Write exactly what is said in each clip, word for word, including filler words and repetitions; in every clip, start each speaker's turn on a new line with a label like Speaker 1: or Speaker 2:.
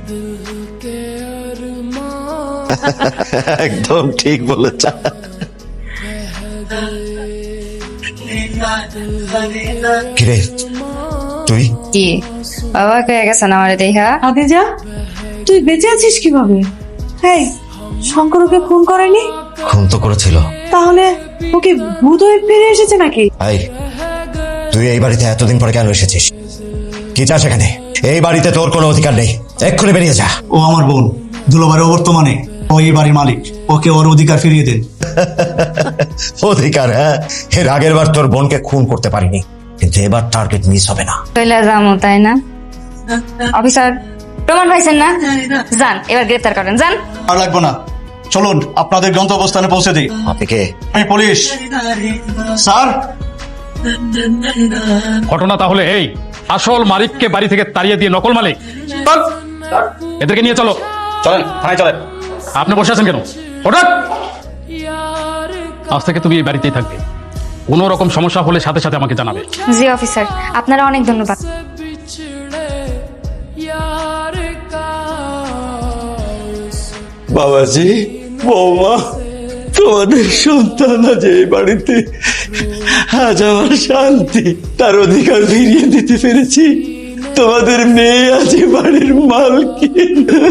Speaker 1: একদম ঠিক বলেছ। কিরে তুই
Speaker 2: কি বাবা কে গেছেন আমার দেখা?
Speaker 3: আদিজা, তুই বেঁচে আছিস কিভাবে? এই শঙ্কর ওকে খুন করেনি?
Speaker 1: খুন তো করেছিল।
Speaker 3: তাহলে ওকে ভূত হয়ে ফিরে এসেছে নাকি?
Speaker 1: এই তুই এই বাড়িতে এতদিন পরে কেন এসেছিস? কি চাস এখানে? এই বাড়িতে তোর কোনো অধিকার নেই, এক্ষুনি বেরিয়ে যা।
Speaker 4: ও আমার বোন, দুলোবারের বর্তমানে ও এই বাড়ির মালিক, ওকে ওর অধিকার ফিরিয়ে দেন।
Speaker 1: অধিকার? হ্যাঁ, এর আগের বার তোর বোনকে খুন করতে পারিনি, কিন্তু এবার টার্গেট মিস হবে না।
Speaker 2: কইলা যামো তাই না? অফিসার প্রমাণ পাইছেন না? যান এবার গ্রেফতার করেন, যান।
Speaker 4: আর লাগবো না, চলুন আপনাদের গন্তব্যস্থানে পৌঁছে দিই।
Speaker 1: আপনি কে?
Speaker 4: আমি পুলিশ স্যার।
Speaker 5: ঘটনা তাহলে এই, আসল মালিককে বাড়ি থেকে তাড়িয়ে দিয়ে নকল মালিক। চল এদেরকে নিয়ে চলো।
Speaker 4: চলেন থানায় চলেন।
Speaker 5: আপনি বসে আছেন কেন? হঠাৎ আজ থেকে তুমি এই বাড়িতেই থাকবে, কোনো রকম সমস্যা হলে সাথে সাথে আমাকে জানাবে।
Speaker 2: জি অফিসার, আপনারা অনেক ধন্যবাদ।
Speaker 1: বাবাজি, বৌমা, তোমাদের সন্তান আজ এই বাড়িতে, আজ আমার শান্তি, তার অধিকার ফিরিয়ে দিতে পেরেছি। তোমাদের মেয়ে আজ এই বাড়ির মালকিন।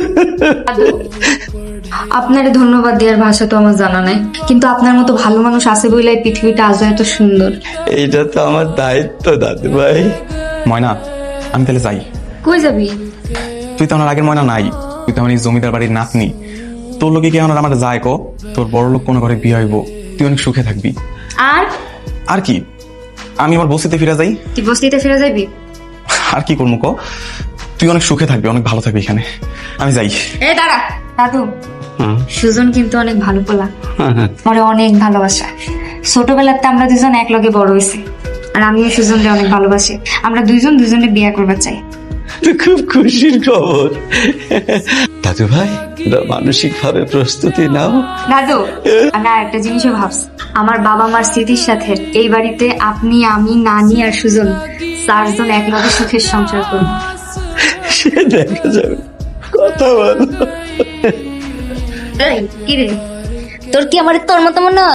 Speaker 2: আপনার ধন্যবাদ দেওয়ার ভাষা তো আমার জানা নাই, কিন্তু আপনার মতো ভালো মানুষ আছে বলে পৃথিবীটা আজ এত সুন্দর।
Speaker 1: এইটা তো আমার দায়িত্ব দাদু ভাই।
Speaker 6: ময়না, আমি তাহলে যাই।
Speaker 2: কই যাবি?
Speaker 6: তুই তো আমার আগের ময়না নাই, তুই তো আমার এই জমিদার বাড়ির নাতনি। তোর লোকে কি আমার আমার যায় কো? তোর বড় লোক কোনো ঘরে বিয়ে হইব, তুই অনেক সুখে থাকবি।
Speaker 2: আর
Speaker 6: আর কি, আমি আমার বস্তিতে ফিরে যাই।
Speaker 2: তুই বস্তিতে ফিরে যাবি?
Speaker 6: আর কি করবো কো? তুই অনেক সুখে থাকবি, অনেক ভালো থাকবি এখানে। আমি যাই।
Speaker 2: এ দাঁড়া দাদু, সুজন কিন্তু অনেক ভালো পোলা, আমার অনেক ভালোবাসা। ছোটবেলাতে আমরা দুজন এক লগে বড় হয়েছি, আর আমিও সুজনকে অনেক ভালোবাসি। আমরা দুইজন দুজনে বিয়ে করবার চাই।
Speaker 1: খুব খুশির খবর দাদু ভাই, মানসিক ভাবে প্রস্তুতি নাও।
Speaker 2: দাদু, আমি আর একটা জিনিসও ভাবছি, আমার বাবা মার স্মৃতির সাথে এই বাড়িতে আপনি, আমি, নানি আর সুজন চারজন এক লগে সুখের সংসার করব।
Speaker 1: সে দেখা যাবে, কথা বলো।
Speaker 2: কি রে, তোর কি আমার তোর মতো মনে হয়?